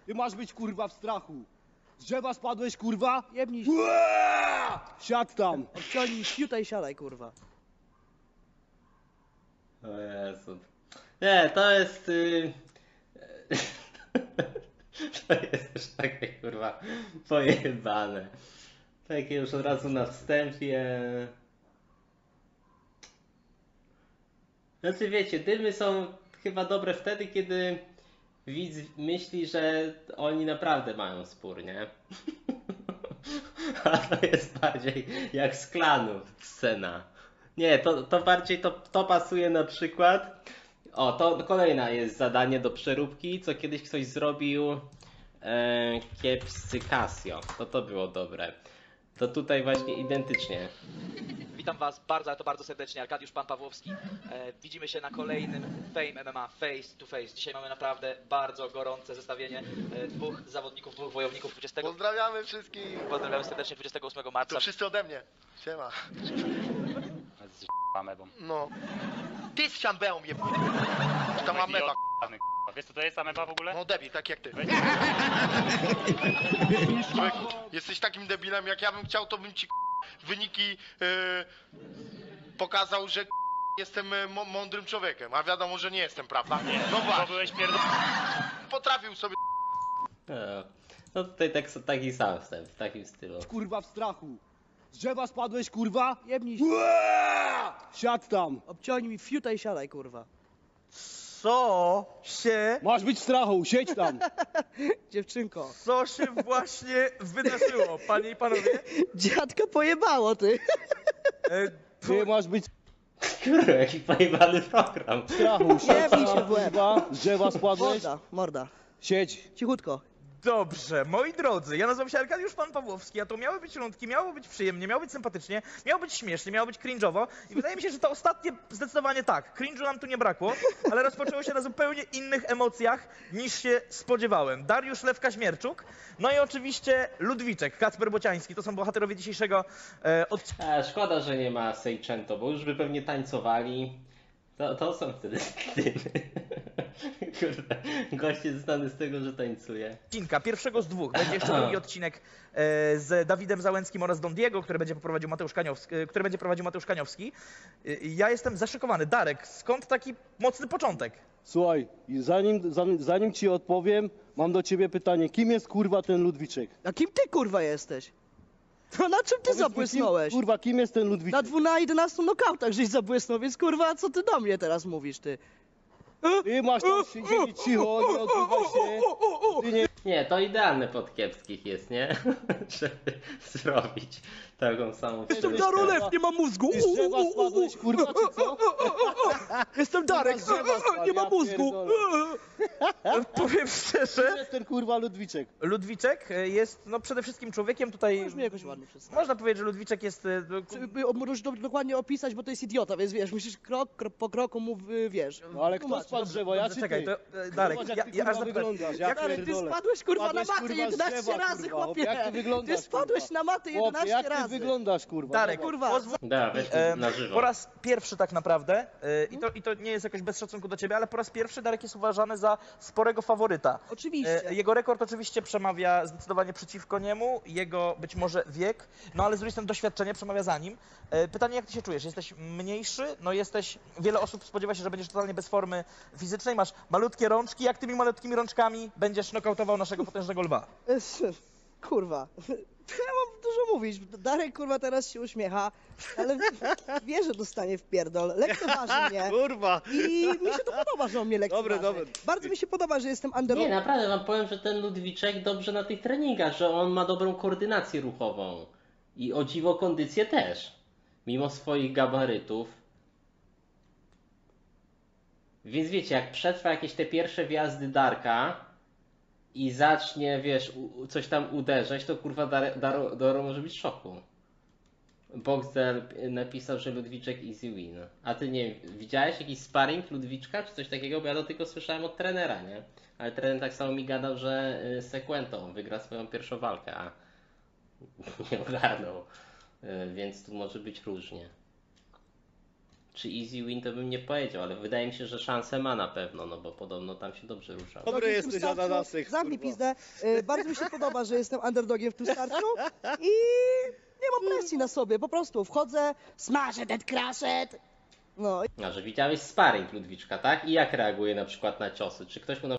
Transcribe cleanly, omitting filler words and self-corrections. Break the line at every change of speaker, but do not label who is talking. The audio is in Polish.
Ty masz być kurwa w strachu. Z drzewa spadłeś kurwa?
Jebnij się.
Siadł tam.
Obciągnij fiuta i siadaj, kurwa.
O Jezu. Nie, to jest... To jest już takie kurwa pojebane. Takie już od razu na wstępie. Znaczy wiecie, dymy są chyba dobre wtedy, kiedy widz myśli, że oni naprawdę mają spór, nie? A to jest bardziej jak z Klanów scena. Nie, to bardziej to pasuje na przykład. O, to kolejne jest zadanie do przeróbki, co kiedyś ktoś zrobił kiepscy Casio. To było dobre. To tutaj właśnie identycznie.
Witam Was bardzo, ale to bardzo serdecznie. Arkadiusz Pan Pawłowski. Widzimy się na kolejnym Fame MMA Face to Face. Dzisiaj mamy naprawdę bardzo gorące zestawienie dwóch zawodników, dwóch wojowników 20.
Pozdrawiamy wszystkich.
Pozdrawiamy serdecznie 28 marca.
To wszyscy ode mnie. Siema.
Z amebą.
No. Ty z siambeą je... Tam ameba.
Wiesz co to jest ameba w ogóle?
No debil, tak jak ty. Człowieku, jesteś takim debilem, jak ja bym chciał, to bym ci wyniki pokazał, że jestem mądrym człowiekiem, a wiadomo, że nie jestem, prawda?
Nie,
No
bo
właśnie.
byłeś
Potrafił sobie...
No tutaj taki sam wstęp, w takim stylu.
Kurwa w strachu. Z drzewa spadłeś kurwa?
Jebnij się.
Siadł tam.
Obciągnij fiuta i siadaj, kurwa.
Co się,
Masz być w strachu, siedź tam.
Dziewczynko.
co się właśnie wydarzyło, panie i panowie?
Dziadka pojebało, ty.
Ty masz być
Kurwa, jaki pojebany program.
w strachu. Siedź
bij się
tam
w łeb.
kurwa. Z drzewa spadłeś?
Morda, morda.
Siedź.
Cichutko.
Dobrze, moi drodzy, ja nazywam się Arkadiusz Pan Pawłowski, a to miały być rundki, miało być przyjemnie, miało być sympatycznie, miało być śmiesznie, miało być cringe'owo i wydaje mi się, że to ostatnie zdecydowanie tak. Cringe'u nam tu nie brakło, ale rozpoczęło się na zupełnie innych emocjach niż się spodziewałem. Dariusz Lewka-Śmierczuk, no i oczywiście Ludwiczek, Kacper Bociański, to są bohaterowie dzisiejszego odcinka.
Szkoda, że nie ma Seicento, bo już by pewnie tańcowali. To są wtedy dymy. Kurde, gość jest znany z tego, że tańcuje.
Pierwszego z dwóch. Będzie jeszcze drugi odcinek z Dawidem Załęckim oraz Don Diego, który będzie prowadził Mateusz Kaniowski. Ja jestem zaszokowany. Darek, skąd taki mocny początek?
Słuchaj, i zanim ci odpowiem, mam do ciebie pytanie. Kim jest kurwa ten Ludwiczek?
A kim ty, kurwa, jesteś? To na czym ty
Powiedz mi,
zabłysnąłeś?
Kurwa, kim jest ten
Na
Ludwiczek?
11 nokautach żeś zabłysnął, więc kurwa, co ty do mnie teraz mówisz, ty?
Ty masz tam siedzieć cicho, nie odzywaj się. Ty nie...
Nie, to idealne pod kiepskich jest, nie? Żeby zrobić taką samą
Jestem
przeróbkę.
Darolew, nie mam mózgu.
Ty z drzewa spadłeś, kurwa, czy co?
Jestem Darek,
z drzewa spadł,
nie mam
ja
mózgu.
Powiem szczerze,
Kim jest ten kurwa Ludwiczek?
Ludwiczek jest no, przede wszystkim człowiekiem tutaj...
Możesz mnie jakoś ładnie przedstawić.
Można powiedzieć, że Ludwiczek jest...
Możesz dokładnie opisać, bo to jest idiota, więc wiesz, musisz krok po kroku mu, wiesz.
No ale kto
tłumaczyć.
spadł z drzewa, ja
Dobrze,
czy
czekaj,
ty?
to Darek,
Zobacz, jak ty,
ja aż
kurwa,
zapytam,
wyglądasz, ja
Darek, ty
pierdolę.
spadłeś kurwa na
Spadłeś,
matę
kurwa, z
11
drzewa,
razy,
kurwa.
chłopie.
Jak ty wyglądasz,
Ty spadłeś
kurwa?
na matę
Chłopie,
11
jak ty
razy.
wyglądasz, kurwa?
Darek,
Zobacz.
Kurwa.
Da, weźmy na żywo.
Po raz pierwszy tak naprawdę, i to nie jest jakoś bez szacunku do ciebie, ale po raz pierwszy Darek jest uważany za sporego faworyta.
Oczywiście.
Jego rekord oczywiście przemawia zdecydowanie przeciwko niemu, jego być może wiek, no ale z drugiej strony doświadczenie przemawia za nim. Pytanie, jak ty się czujesz? Jesteś mniejszy, no jesteś, wiele osób spodziewa się, że będziesz totalnie bez formy fizycznej, masz malutkie rączki, jak tymi malutkimi rączkami będziesz nokautował naszego potężnego lwa?
Kurwa. Ja mam dużo mówić. Darek kurwa teraz się uśmiecha, ale wie, że dostanie w pierdol. Lekceważy mnie.
Kurwa.
I mi się to podoba, że on mnie lekceważy.
Dobre.
Bardzo mi się podoba, że jestem
Nie,
underdog.
naprawdę wam powiem, że ten Ludwiczek dobrze na tych treningach, że on ma dobrą koordynację ruchową. I o dziwo kondycję też. Mimo swoich gabarytów. Więc wiecie, jak przetrwa jakieś te pierwsze wjazdy Darka i zacznie, wiesz, coś tam uderzać, to kurwa Daro może być w szoku. Boxdel napisał, że Ludwiczek easy win. A ty nie widziałeś jakiś sparring Ludwiczka czy coś takiego? Bo ja to tylko słyszałem od trenera, nie? Ale trener tak samo mi gadał, że Sequento wygra swoją pierwszą walkę, a nie ogarnął. Więc tu może być różnie. czy easy win to bym nie powiedział, ale wydaje mi się, że szansę ma na pewno, no bo podobno tam się dobrze ruszał.
Dobry
W tym
jesteś,
starciu-
ananasek,
Zamknij
kurwa.
pizdę. Bardzo mi się podoba, że jestem underdogiem w tym starciu i nie mam presji na sobie. Po prostu wchodzę, smażę ten crashet. No
A że widziałeś sparring Ludwiczka, tak? I jak reaguje na przykład na ciosy? Czy ktoś mu